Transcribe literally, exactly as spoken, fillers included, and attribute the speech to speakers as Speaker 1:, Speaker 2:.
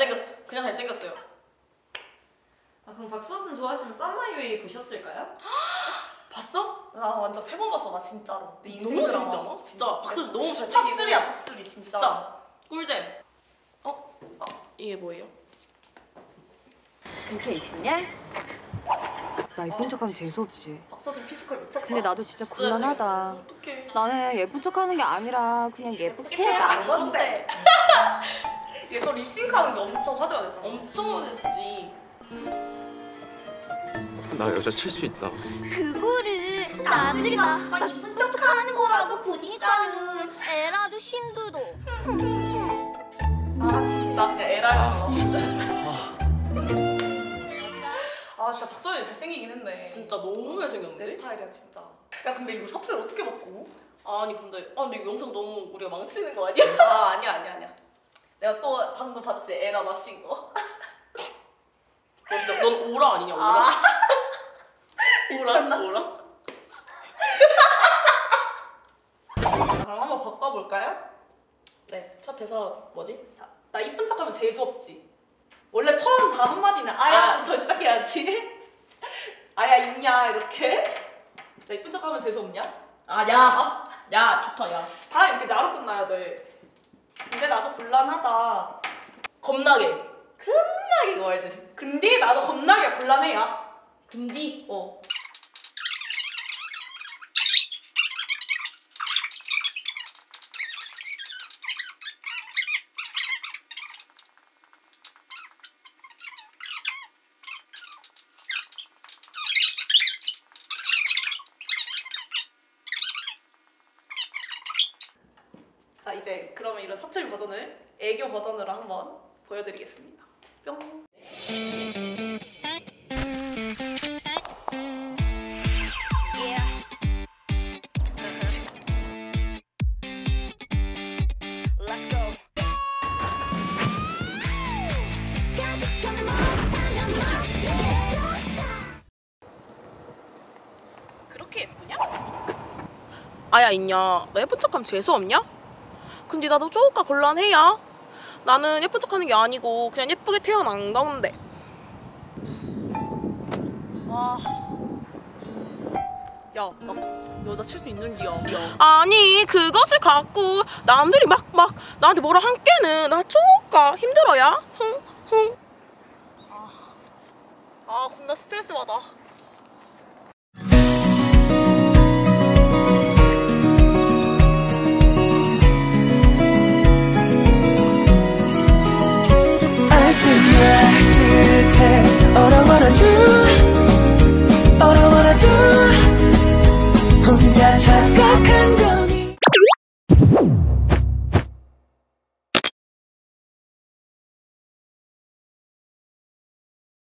Speaker 1: 잘생겼어. 그냥 잘생겼어요.
Speaker 2: 아 그럼 박서준 좋아하시면 썸마이웨이 보셨을까요?
Speaker 1: 봤어?
Speaker 2: 나 완전 세 번 봤어 나 진짜로. 내 인생
Speaker 1: 너무
Speaker 2: 드라마.
Speaker 1: 재밌지 않아? 진짜 박서준 너무 잘생기고.
Speaker 2: 탑쓰리야 탑쓰리 진짜.
Speaker 1: 진짜 꿀잼. 어? 아, 이게 뭐예요?
Speaker 3: 그렇게 이쁘냐?
Speaker 4: 나 예쁜 척하면 재수없지.
Speaker 2: 박서준 피지컬 미쳤다.
Speaker 4: 근데 나도 진짜
Speaker 1: 진짜
Speaker 4: 곤란하다.
Speaker 1: 어떡해.
Speaker 4: 나는 예쁜 척하는 게 아니라 그냥 예쁘게
Speaker 2: 이렇게
Speaker 4: 해봐.
Speaker 2: 안 건데. 얘 또 립싱크하는 게 엄청 화제가 됐잖아.
Speaker 1: 엄청 못했지.
Speaker 5: 나 여자 칠 수 있다.
Speaker 6: 그거를 남들이 막, 막 이쁜 척하는 거라고 보니까는 에라도 힘들어.
Speaker 2: 아 진짜 그냥 에라야.
Speaker 5: 아,
Speaker 2: 진짜.
Speaker 5: 아.
Speaker 2: 아 진짜 박서준이 잘생기긴 했네.
Speaker 1: 진짜 너무
Speaker 2: 내
Speaker 1: 잘생겼는데?
Speaker 2: 스타일이야 진짜. 야 근데 이거 사투리 어떻게 바꿔?
Speaker 1: 아니 근데 아 근데 이 영상 너무 우리가 망치는 거 아니야?
Speaker 2: 아 아니야 아니야 아니야. 내가 또 방금 봤지 에라 납신 거.
Speaker 1: 너 진짜 넌 오라 아니냐 오라?
Speaker 2: 아.
Speaker 1: 오라? 오라?
Speaker 2: 그럼 한번 바꿔볼까요?
Speaker 1: 네, 첫 대사 뭐지?
Speaker 2: 자, 나 이쁜 척하면 재수 없지. 원래 처음 다 한마디는 아야부터 시작해야지. 아야 있냐 이렇게. 나 이쁜 척하면 재수 없냐?
Speaker 1: 아, 야! 야, 좋다, 야.
Speaker 2: 다 이렇게 나로 끝나야 돼. 근데 나도 곤란하다.
Speaker 1: 겁나게.
Speaker 2: 겁나게 이거 알지? 근데 나도 겁나게 곤란해야.
Speaker 1: 근디?
Speaker 2: 어. 자 이제 그러면 이런 사투리 버전을 애교 버전으로 한번 보여드리겠습니다. 뿅.
Speaker 1: 그렇게 예쁘냐? 아야 있냐? 너 예쁜 척하면 재수 없냐? 근데 나도 쪼까 곤란해야. 나는 예쁜 척하는 게 아니고 그냥 예쁘게 태어난 건데.
Speaker 2: 와. 야, 나 여자 칠 수 있는 기야. 야.
Speaker 1: 아니 그것을 갖고 남들이 막 막 나한테 뭐라 한 게는 나 쪼까 힘들어야. 흥 흥.
Speaker 2: 아, 겁나 스트레스 받아.